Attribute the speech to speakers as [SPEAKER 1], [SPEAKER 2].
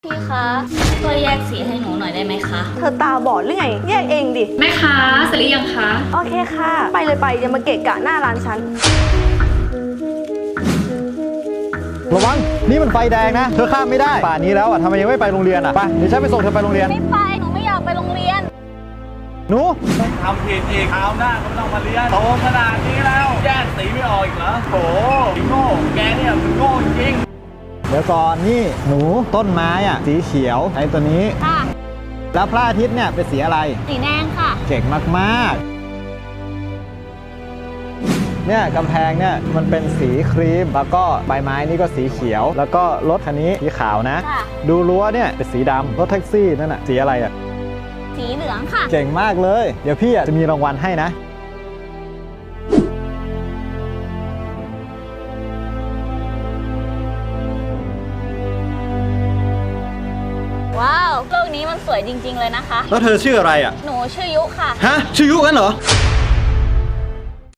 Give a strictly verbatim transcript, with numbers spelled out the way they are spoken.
[SPEAKER 1] พี่คะช่วยแยกสีให้หนูหน่อยได้ไหมคะ
[SPEAKER 2] เธอตาบอดหรือไงแยกเองดิ
[SPEAKER 3] แม่ค้าเสร็จหรือยังคะ
[SPEAKER 2] โอเคค่ะไปเลยไปอย่ามาเกะกะหน้าร้านฉัน
[SPEAKER 4] ระวังนี่มันไฟแดงนะเธอข้ามไม่ได้ป่านนี้แล้วอ่ะทำไมยังไม่ไปโรงเรียนอ่ะไปเดี๋ยวฉันไปส่งเธอไปโรงเรียน
[SPEAKER 1] ไม่ไปหนูไม่อยากไปโรงเรียน
[SPEAKER 4] หนู
[SPEAKER 5] ทำผิดอีกคราวหน้าก็ไม่ต้องมาเรียนโตขนาดนี้แล้วแยกสีไม่ออกอีกเหรอโถโง่แกเนี่ยมันโง่จริง
[SPEAKER 4] เดี๋ยวก่อนนี่หนูต้นไม้อ่ะสีเขียวไอ้ตัวนี้
[SPEAKER 1] ค่ะ
[SPEAKER 4] แล้วพระอาทิตย์เนี่ยเป็นสีอะไร
[SPEAKER 1] สีแดงค่ะ
[SPEAKER 4] เก่งมากๆเนี่ยกำแพงเนี่ยมันเป็นสีครีมแล้วก็ใบไม้นี่ก็สีเขียวแล้วก็รถคันนี้สีขาวนะดูรั้วเนี่ยเป็นสีดำรถแท็กซี่นั่นน่ะสีอะไรอ่ะ
[SPEAKER 1] สีเหลืองค่ะ
[SPEAKER 4] เก่งมากเลยเดี๋ยวพี่อ่ะจะมีรางวัลให้นะ
[SPEAKER 1] ว้าวโลกนี้มันสวยจริงๆเลยนะคะ
[SPEAKER 4] แล้วเธอชื่ออะไรอ่ะ
[SPEAKER 1] หนูชื่อยุค่ะ
[SPEAKER 4] ฮะชื่อยุกันเหรอ